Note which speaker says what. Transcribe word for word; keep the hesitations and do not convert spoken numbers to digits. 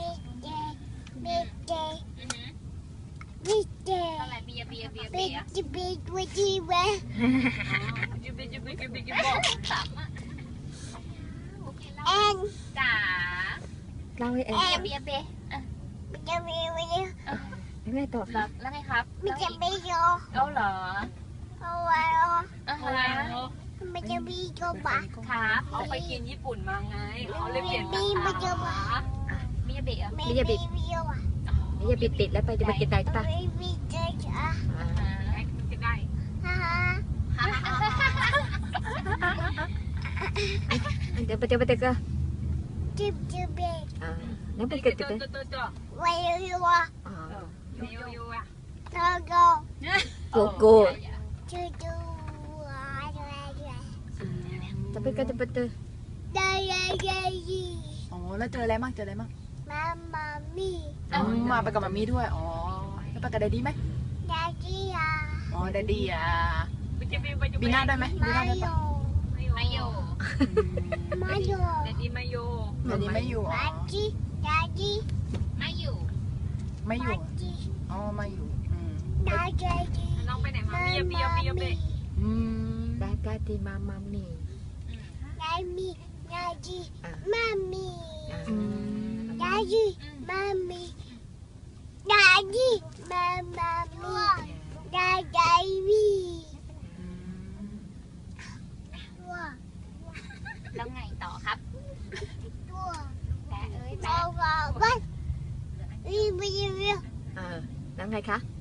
Speaker 1: บีเจบีเจอะไรบีเบียเบียเบียจีบีจีจีเวจีบีจีบีจีบีจีบอกสามอ่ะแอนจ๋า
Speaker 2: เล่าให้แอน
Speaker 1: เบียเบียบีเบียเบียเบีย
Speaker 2: ยังไงต่อครับ
Speaker 1: แล้วไงครับบีเจบีโยเอาเหรอเอาไว้อ่ะฮะบีเจบีโยบะครับเขาไปกินญี่ปุ่นมาไงเขาเลยเปลี่ยนบีบีโยบะบีเบียบี
Speaker 2: อย่าบิดอย่าบิดติดแล้วไปจะไปกินได้ปะ
Speaker 1: บีเจจ้ะกินได้ฮ่า
Speaker 2: เดี๋ยวไปเดี๋ยวไปเดี๋ยวก็
Speaker 1: จิบจิบเบก
Speaker 2: อ่าแล้วไปเกิดติดเลย
Speaker 1: วายยูวะ
Speaker 2: อ๋อ
Speaker 1: ยูยูอะโกโก้
Speaker 2: โกโก้
Speaker 1: จูจู
Speaker 2: จะไปก็จะไปเจอ
Speaker 1: ได้ได้ได้ยี
Speaker 3: อ๋อแล้วเจออะไรบ้างเจออะไรบ้าง
Speaker 1: มามามี่
Speaker 3: มาไปกับมามี่ด้วยอ๋อแล้วไปกับแดดดี้ไหม
Speaker 1: แดดดี้อ่ะ
Speaker 3: อ๋อแดดดี้อ่ะบีน่าได้ไหมบีน่าได้ปะ
Speaker 1: ไม่อยู่ไม่อยู่แดดดี้ไม่อยู่
Speaker 3: แดดดี้ไม่อยู่
Speaker 1: แดดดี้แดดดี้ไม่อยู่
Speaker 3: ไม่อยู่อ๋อไม่อยู่
Speaker 1: แดดดี้น้องไปไหนมาเบียเบียเบียเบีย
Speaker 3: อืม
Speaker 2: ได้ได้ที่มามามี
Speaker 1: ได้มีได้ดีมามีได้ดี Mommy, Daddy, Mama, Daddy. แล้วไงต่อครับแต่เอ้ยแต่ว่าวันรีวิว
Speaker 2: อ่าแล้วไงคะ